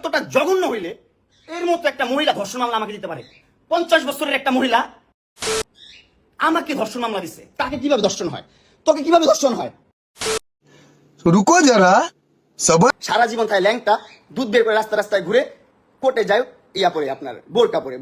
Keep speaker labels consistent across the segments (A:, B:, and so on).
A: এতটা জঘন্য হইলে এর মতো একটা মহিলা ধর্ষণ মামলা আমাকে দিতে পারে? 50 বছরের একটা মহিলা আমাকে ধর্ষণ মামলা দিছে। তাকে কিভাবে ধর্ষণ হয়? তোকে কিভাবে ধর্ষণ হয়?
B: रुको जरा सबर।
A: সারা জীবন তাই ল্যাংটা দুধ বের করে রাস্তায় রাস্তায় ঘুরে কোর্টে যায় ইয়া পরে আপনার বোরকা পরে।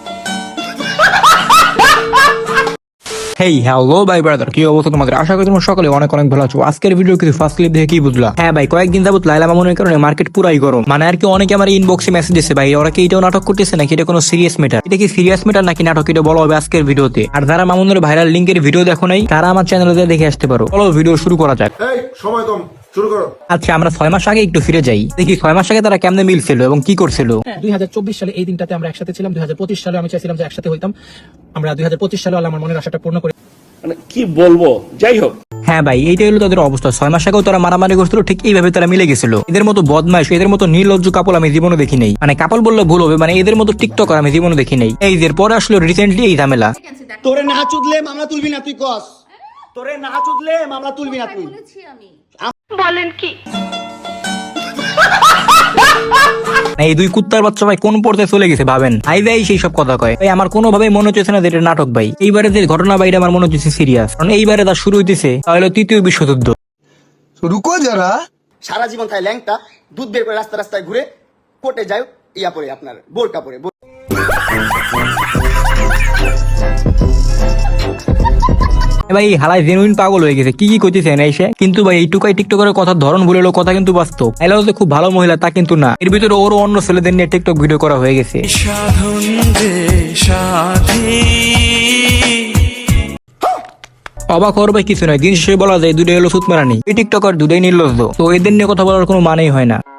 C: হেই হ্যালো ভাই ব্রাদার, কি অবস্থা তোমাদের? আশা করি তোমরা সকলে অনেক অনেক ভালো আছো। আজকের ভিডিও কিছু ফার্স্ট ক্লিপ দেখে কি বুঝলা? হ্যাঁ ভাই, কয়েকদিন যাবত লাইলা মামুনের কারণে মার্কেট পুরাই গরম। মানে আর কি অনেকে আমার ইনবক্সে মেসেজ দিচ্ছে, ভাই ওরা কি এটাও নাটক করতেছে নাকি এটা কোনো সিরিয়াস ম্যাটার? এটা কি সিরিয়াস ম্যাটার নাকি নাটক, এটা বলা হবে আজকের ভিডিওতে। আর যারা মামুনের ভাইরাল লিঙ্কের ভিডিও দেখো নাই তারা আমার চ্যানেলে দেখে আসতে পারো। চলো ভিডিও শুরু করা যাক।
B: সময় কম, শুরু করো।
C: আচ্ছা, আমরা 6 মাস আগে একটু ফিরে যাই, দেখি 6 মাস আগে তারা কেমনে মিলছিল এবং কি করছিল।
D: 2024 সালে এই দিনটাতে আমরা একসাথে ছিলাম। 2025 সালে আমি চাইছিলাম যে একসাথে হইতাম। আমরা 2025 সালে আমার মনের আশাটা পূর্ণ করি।
E: মানে কি বলবো, যাই হোক।
C: হ্যাঁ ভাই, এইটাই হলো তাদের অবস্থা। 6 মাস আগেও তারা মারামারি করছিল, ঠিক এইভাবে তারা মিলে গেছিল। এদের মতো বদমাইশ, এদের মতো নির্লজ্জ কাপল আমি জীবনে দেখি নাই। মানে কাপল বললে ভুল হবে, মানে এদের মতো টিকটকার আমি জীবনে দেখি নাই। এই যে পরে আসলো রিসেন্টলি এই ঝামেলা।
A: তোরে না চুদলে মামলা তুলবি না তুই কস? তোরে না চুদলে মামলা তুলবি না তুই?
F: বলেন কি?
C: এই দুই কুত্তার বাচ্চা ভাই কোন পর্যায়ে চলে গেছে ভাবেন। আই ভাই সেই সব কথা কয় ভাই, আমার কোনোভাবে মনে হচ্ছে না যে এটা নাটক ভাই। এইবারে যে ঘটনা বাইরে আমার মনে হচ্ছে সিরিয়াস, কারণ এইবারে তার শুরু হইতেছে তাহলে তৃতীয় বিশ্বযুদ্ধ।
B: रुको जरा।
A: সারা জীবন তাই ল্যাংটা দুধ বের করে রাস্তায় রাস্তায় ঘুরে কোর্টে যায় ইয়া পরে আপনার বোরকা পরে।
C: ভাই হালাই জেনুইন পাগল হয়ে গেছে, কি কি করতেছে না এসে। কিন্তু ভাই এইটুকাই টিকটকের কথার ধরন ভুলে এলো, কথা কিন্তু বাস্তব। এলাও যে খুব ভালো মহিলা তা কিন্তু না, এর ভিতরে ওরও অন্য ছেলেদের নিয়ে টিকটক ভিডিও করা হয়ে গেছে। অবাক হওয়ার ভাই কিছু নয়, দিন শেষে বলা যায় দুটোই হলো সুতমারানি। এই টিকটকার দুটোই নির্লজ্জ, তো এদের নিয়ে কথা বলার কোনো মানেই হয় না।